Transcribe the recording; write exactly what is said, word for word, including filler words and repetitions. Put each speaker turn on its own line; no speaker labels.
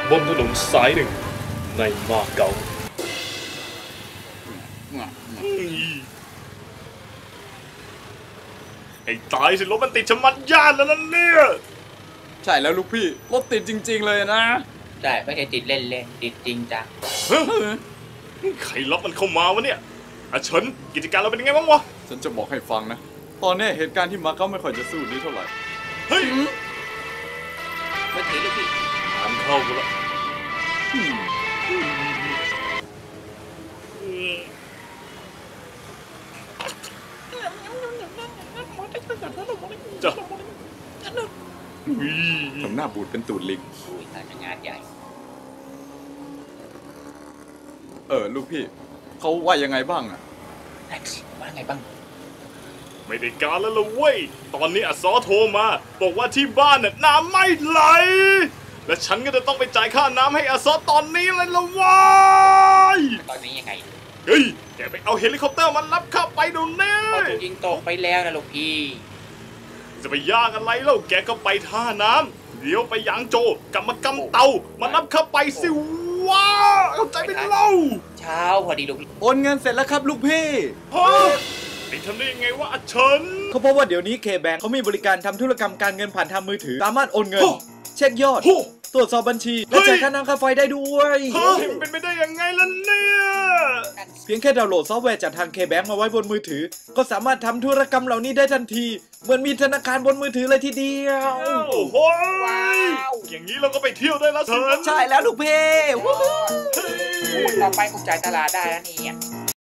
บนถนนสายหนึ่งในมาเก๊าไอ้ตายสิรถมันติดชะมัดย่านแล้วนั่นเนี่ย
ใช่แล้วลูกพี่รถติดจริงๆเลยนะ
ใช่ไม่ใช่ติดเล่นๆติดจริงจัง
ใครล็อกมันเข้ามาวะเนี่ยอาเฉินกิจการเราเป็นยังไงบ้างวะ
ฉันจะบอกให้ฟังนะตอนนี้เหตุการณ์ที่มาเก๊าไม่ค่อยจะสู้ดีเท่าไหร่
เฮ้ย
ไม่ถือลูกพี่
ทำเข้ากูละจ้ะ
ทำหน้าบูดเป็นตูดลิง
อุ้ยทำงานใหญ่
เออลูกพี่เขาว่ายังไงบ้างอะ
แท็กซี่ว่าไงบ้าง
ไม่ได้การแล้วล่ะเว้ยตอนนี้อัศอโทรมาบอกว่าที่บ้านน่ะน้ำไม่ไหลและฉันก็จะต้องไปจ่ายค่าน้ำให้อัศอตอนนี้เลยละวะ
ตอนนี้ยังไง
เฮ้ยแกไปเอาเฮลิคอปเตอร์มันรับข้าไปดูแน่
พอถูกยิงตกไปแล้วนะลูกพี่
จะไปยากอะไรเล่าแกก็ไปท่าน้ำเดี๋ยวไปยางโจกลับมากำเตามารับข้าไปสิว้าเข้าใจไหมเล่า
เช้าพอดีลูกพี่
โอนเงินเสร็จแล้วครับลูกพี่
ฮะไอ้ทำได้ยังไงวะอาเฉิน
เขาเพราะว่าเดี๋ยวนี้เคแบงเขามีบริการทำธุรกรรมการเงินผ่านทางมือถือสามารถโอนเงินเช็คยอดตรวจสอบบัญชีและจ่ายค่าน้ำค่าไฟได้ด้วย
เฮ้ยเป็นไปได้ยังไงล่ะเนี่ย
เพียงแค่ดาวน์โหลดซอฟต์แวร์จากทางเคแบงมาไว้บนมือถือก็สามารถทำธุรกรรมเหล่านี้ได้ทันทีเหมือนมีธนาคารบนมือถือเลยทีเดียว
โอ้โหอย่างนี้เราก็ไปเที่ยวได้แล้วเถิน
ใช่แล้วลูกเพ่
ต่อไปกูจ่ายตลาดได้แล้วนี่